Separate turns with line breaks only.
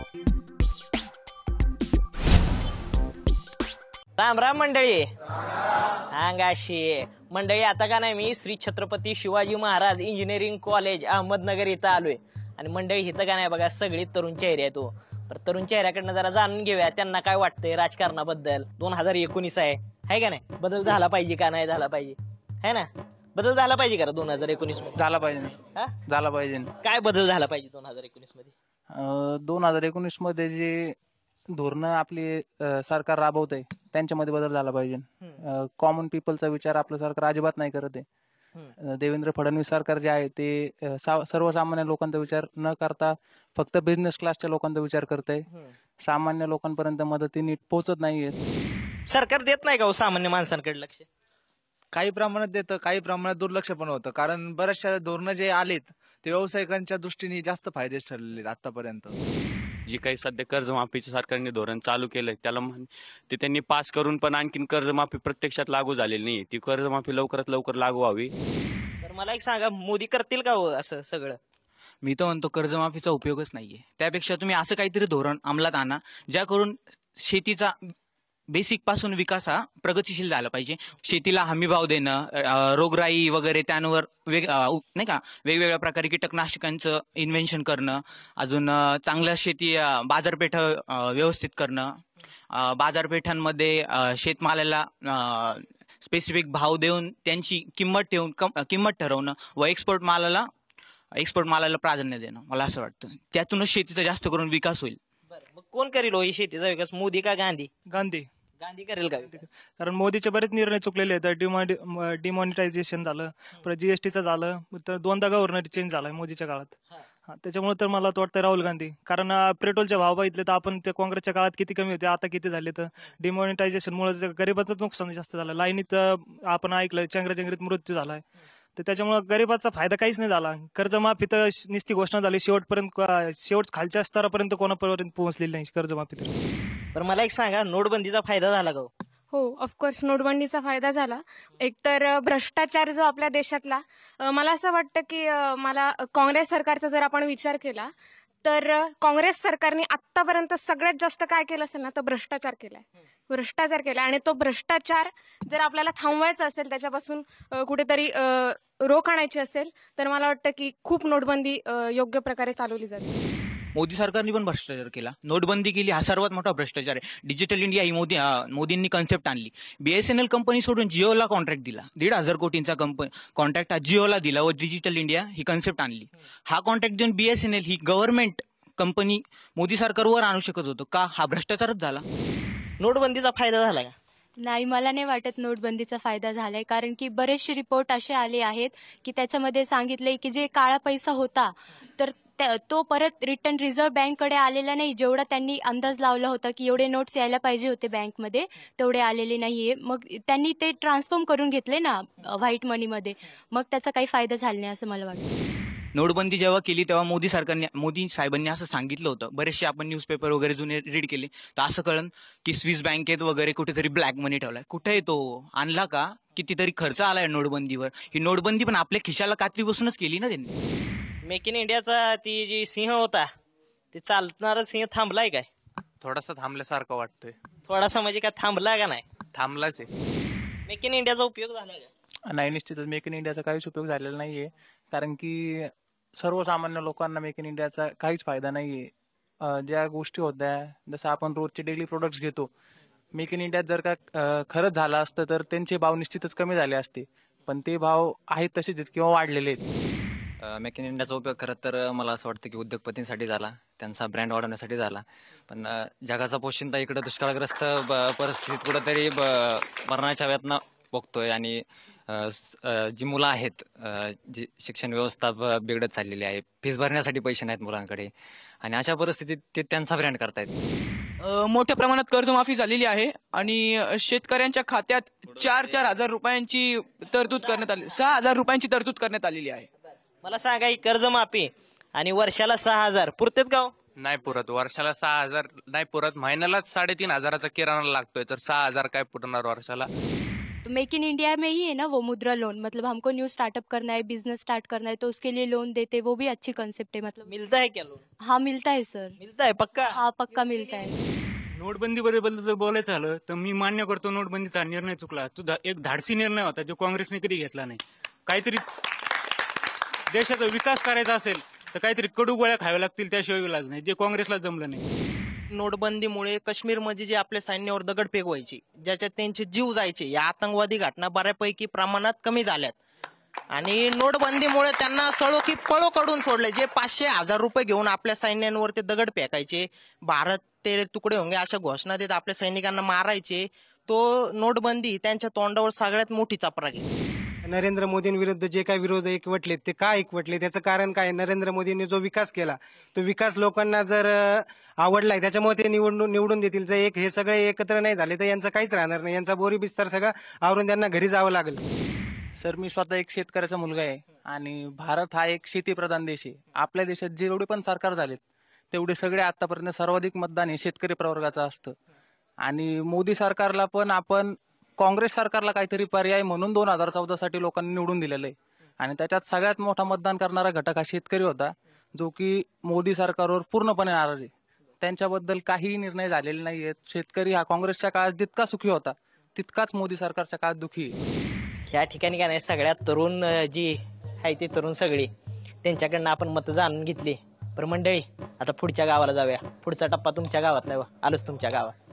राम राम मंडळी. अंगाशी मंडळी, आता का नाही मी श्री छत्रपती शिवाजी महाराज इंजिनिअरिंग कॉलेज अहमदनगर इथं आलोय. आणि मंडळी इथं का नाही बघा, सगळी तरुण चेहरे आहेत. तो तरुण चेहऱ्याकडनं जरा जाणून घेऊया त्यांना काय वाटतंय राजकारणाबद्दल. 2019 आहे का नाही? बदल झाला पाहिजे का नाही झाला पाहिजे, है ना? बदल झाला पाहिजे का 2019 मध्ये?
झाला पाहिजे, झाला पाहिजे.
काय बदल झाला पाहिजे 2019 मध्ये?
2019 मध्ये जे धोरणं आपली सरकार राबवत आहे त्यांच्यामध्ये बदल झाला पाहिजे. कॉमन पीपलचा विचार आपलं सरकार अजिबात नाही करत आहे. देवेंद्र फडणवीस सरकार जे आहे ते सर्वसामान्य लोकांचा विचार न करता फक्त बिझनेस क्लासच्या लोकांचा विचार करत आहे. सामान्य लोकांपर्यंत मदती नीट पोहोचत नाहीये.
सरकार देत नाही का हो सामान्य माणसांकडे लक्ष?
काही प्रमाणात देतं, काही प्रमाणात दुर्लक्ष पण होतं. कारण बऱ्याचशा धोरणं जे आलेत ते व्यावसायिकांच्या दृष्टीने जास्त फायदेच ठरलेले आतापर्यंत.
जी काही सध्या कर्जमाफीचं सरकारने धोरण चालू केलंय त्याला ते त्यांनी पास करून पण आणखीन कर्जमाफी प्रत्यक्षात लागू झालेली नाही. ती कर्जमाफी लवकरात लवकर लागू व्हावी.
तर मला एक सांगा, मोदी करतील का हो असं सगळं?
मी तर म्हणतो कर्जमाफीचा उपयोगच नाहीये. त्यापेक्षा तुम्ही असं काहीतरी धोरण अंमलात आणा ज्या करून शेतीचा बेसिक पासून विकास हा प्रगतिशील झाला पाहिजे. शेतीला हमी भाव देणं, रोगराई वगैरे त्यांवर नाही का वेगवेगळ्या प्रकारे कीटकनाशकांचं इन्व्हेन्शन करणं, अजून चांगल्या शेती बाजारपेठा व्यवस्थित करणं, बाजारपेठांमध्ये शेतमालाला स्पेसिफिक भाव देऊन त्यांची किंमत ठरवणं व एक्सपोर्ट मालाला प्राधान्य देणं. मला असं वाटतं त्यातूनच शेतीचा जास्त करून विकास होईल.
मग कोण करेल हो शेतीचा विकास, मोदी का गांधी? गांधी करेल का?
कारण मोदीचे बरेच निर्णय चुकलेले आहेत. डिमॉनिटायझेशन झालं, परत जीएसटीचं झालं, तर 2दा गव्हर्नर चेंज झालाय मोदीच्या काळात. त्याच्यामुळे तर मला वाटतं राहुल गांधी. कारण पेट्रोलचे भाव बघितले तर आपण त्या काँग्रेसच्या काळात किती कमी होते, आता किती झाले. तर डिमॉनिटायझेशनमुळे गरीबाचं नुकसान जास्त झालं. लाईनीत आपण ऐकलं चंगराचंगरीत मृत्यू झालाय. तर त्याच्यामुळे गरीबाचा फायदा काहीच नाही झाला. कर्जमाफी तर नुसती घोषणा झाली, शेवट खालच्या स्तरापर्यंत कोणापर्यंत पोहोचलेली नाही कर्जमाफी.
तर मला एक सांगा, नोटबंदीचा फायदा झाला का?
हो, ऑफकोर्स नोटबंदीचा फायदा झाला. एकतर भ्रष्टाचार जो आपल्या देशातला, मला असं वाटतं की मला काँग्रेस सरकारचा जर आपण विचार केला तर काँग्रेस सरकारने आतापर्यंत सगळ्यात जास्त काय केलं असेल ना, तर भ्रष्टाचार केलाय. आणि तो भ्रष्टाचार जर आपल्याला थांबवायचा असेल, त्याच्यापासून कुठेतरी रोख आणायची असेल, तर मला वाटतं की खूप नोटबंदी योग्य प्रकारे चालवली जाते.
मोदी सरकारने पण भ्रष्टाचार केला, नोटबंदी केली, हा सर्वात मोठा भ्रष्टाचार आहे. डिजिटल इंडिया ही मोदींनी कन्सेप्ट आणली. BSNL कंपनी सोडून जिओला कॉन्ट्रॅक्ट दिला, 1,500 कोटींचा कॉन्ट्रॅक्ट हा जिओला दिला व डिजिटल इंडिया ही कन्सेप्ट आणली. हा कॉन्ट्रॅक्ट देऊन BSNL ही गव्हर्नमेंट कंपनी मोदी सरकारवर आणू शकत होतं का? हा भ्रष्टाचारच झाला.
नोटबंदीचा फायदा झाला का?
नाही, मला नाही वाटत नोटबंदीचा फायदा झालाय. कारण की बरेचसे रिपोर्ट असे आले आहेत की त्याच्यामध्ये सांगितलंय की जे काळा पैसा होता तर तो परत रिटर्न रिझर्व्ह बँककडे आलेला नाही. जेवढा त्यांनी अंदाज लावला होता की एवढे नोट्स यायला पाहिजे होते बँकमध्ये, तेवढे आलेले नाहीये. मग त्यांनी ते ट्रान्सफॉर्म करून घेतले ना व्हाईट मनीमध्ये, मग त्याचा काही फायदा झाला नाही असं मला वाटतं.
नोटबंदी जेव्हा केली तेव्हा मोदी साहेबांनी असं सांगितलं होतं. बरेचसे आपण न्यूजपेपर वगैरे जुने रीड केले तर असं कळलं की स्विस बँकेत वगैरे कुठेतरी ब्लॅक मनी ठेवलाय. कुठे तो आणला का? कितीतरी खर्च आलाय नोटबंदीवर. ही नोटबंदी पण आपल्या खिशाला कात्री बसूनच केली ना त्यांनी.
मेक इन इंडियाचा ती जी सिंह होता, ते चालणारा सिंह थांबलाय काय?
थोडासा थांबल्यासारखं वाटतंय.
थोडासा म्हणजे काय थांबला का नाही?
थांबलाच आहे.
मेक इन इंडियाचा उपयोग झाला का?
नाही, निश्चितच मेक इन इंडियाचा काहीच उपयोग झालेला नाहीये. कारण की सर्वसामान्य लोकांना मेक इन इंडियाचा काहीच फायदा नाहीये. ज्या गोष्टी होत्या, जसं आपण रोजचे डेली प्रोडक्ट्स घेतो, मेक इन इंडियात जर का खरंच झालं असतं तर त्यांचे भाव निश्चितच कमी झाले असते. पण ते भाव आहेत तसेच आहेत किंवा वाढलेले आहेत.
मेक इन इंडियाचा उपयोग खरं तर मला असं वाटतं की उद्योगपतींसाठी झाला, त्यांचा ब्रँड वाढवण्यासाठी झाला. पण जगाचा पोशिंदा इकडं दुष्काळग्रस्त परिस्थितीत कुठंतरी मरणाच्या वेदना बघतोय. आणि जी मुलं आहेत, जी शिक्षण व्यवस्था बिघडत चाललेली आहे, फीस भरण्यासाठी पैसे नाहीत मुलांकडे, आणि अशा परिस्थितीत ते त्यांचा ब्रँड करतायत.
मोठ्या प्रमाणात कर्जमाफी झालेली आहे आणि शेतकऱ्यांच्या खात्यात 4,000 रुपयांची तरतूद करण्यात आली, 6,000 रुपयांची तरतूद करण्यात आलेली आहे.
मला सांगा, ही कर्जमाफी आणि वर्षाला 6,000 पुरतेत का?
नाही पुरत. वर्षाला 6,000 नाही पुरत. महिन्यालाच 3,500चा किराणा लागतोय, तर 6,000 काय पुरणार वर्षाला?
तो मेक इन इंडिया में ही है ना वो मुद्रा लोन, मतलब हमको न्यू स्टार्टअप करना है, बिजनेस स्टार्ट करना है तो उसके लिए लोन देते, वो भी अच्छी कंसेप्ट है मतलब।
मिलता है क्या लोन?
हाँ मिलता है सर,
मिलता है पक्का?
हाँ पक्का मिलता है।
नोटबंदीबद्दल जर बोलायचं झालं तर मी मान्य करतो नोटबंदीचा निर्णय चुकला. तो एक धाडसी निर्णय होता जो काँग्रेसने कधी घेतला नाही. काहीतरी देशाचा विकास करायचा असेल तर काहीतरी कडू गोळ्या खाव्या लागतील, त्याशिवाय इलाज नाही, जे काँग्रेसला जमलं नाही.
नोटबंदीमुळे काश्मीरमध्ये जे आपल्या सैन्यावर दगडफेक व्हायची, ज्याच्यात त्यांचे जीव जायचे, या आतंकवादी घटना बऱ्यापैकी प्रमाणात कमी झाल्यात. आणि नोटबंदीमुळे त्यांना सळो की पळो कडून सोडले. जे 500,000 रुपये घेऊन आपल्या सैन्यांवर ते दगड फेकायचे, भारत तेरे तुकडे होंगे अशा घोषणा देत आपल्या सैनिकांना मारायचे, तो नोटबंदी त्यांच्या तोंडावर सगळ्यात मोठी चपराक आहे.
नरेंद्र मोदींविरुद्ध जे काही विरोध एकवटले ते का एकवटले, त्याचं कारण काय? नरेंद्र मोदींनी जो विकास केला तो विकास लोकांना जर आवडलाय त्याच्यामुळे ते निवडून देतील. जर हे सगळे एकत्र नाही झाले तर यांचं काहीच राहणार नाही, यांचा बोरी बिस्तर सगळं आवरून त्यांना घरी जावं लागेल.
सर, मी स्वतः एक शेतकऱ्याचा मुलगा आहे आणि भारत हा एक शेतीप्रधान देश आहे. आपल्या देशात जेवढे पण सरकार झालेत तेवढे सगळे आतापर्यंत सर्वाधिक मतदान हे शेतकरी प्रवर्गाचं असतं. आणि मोदी सरकारला पण आपण काँग्रेस सरकारला काहीतरी पर्याय म्हणून 2014 साठी लोकांनी निवडून दिलेलं आहे. आणि त्याच्यात सगळ्यात मोठा मतदान करणारा घटक हा शेतकरी होता, जो की मोदी सरकारवर पूर्णपणे नाराज आहे. त्यांच्याबद्दल काहीही निर्णय झालेले नाहीयेत. शेतकरी हा काँग्रेसच्या काळात जितका सुखी होता तितकाच मोदी सरकारच्या काळात दुखी आहे.
ह्या ठिकाणी काय नाही, सगळ्यात तरुण जी आहे ती तरुण सगळी, त्यांच्याकडनं आपण मतं जाणून घेतली. पण मंडळी, आता पुढच्या गावाला जाऊया. पुढचा टप्पा तुमच्या गावातला आहे. आलोच तुमच्या गावात.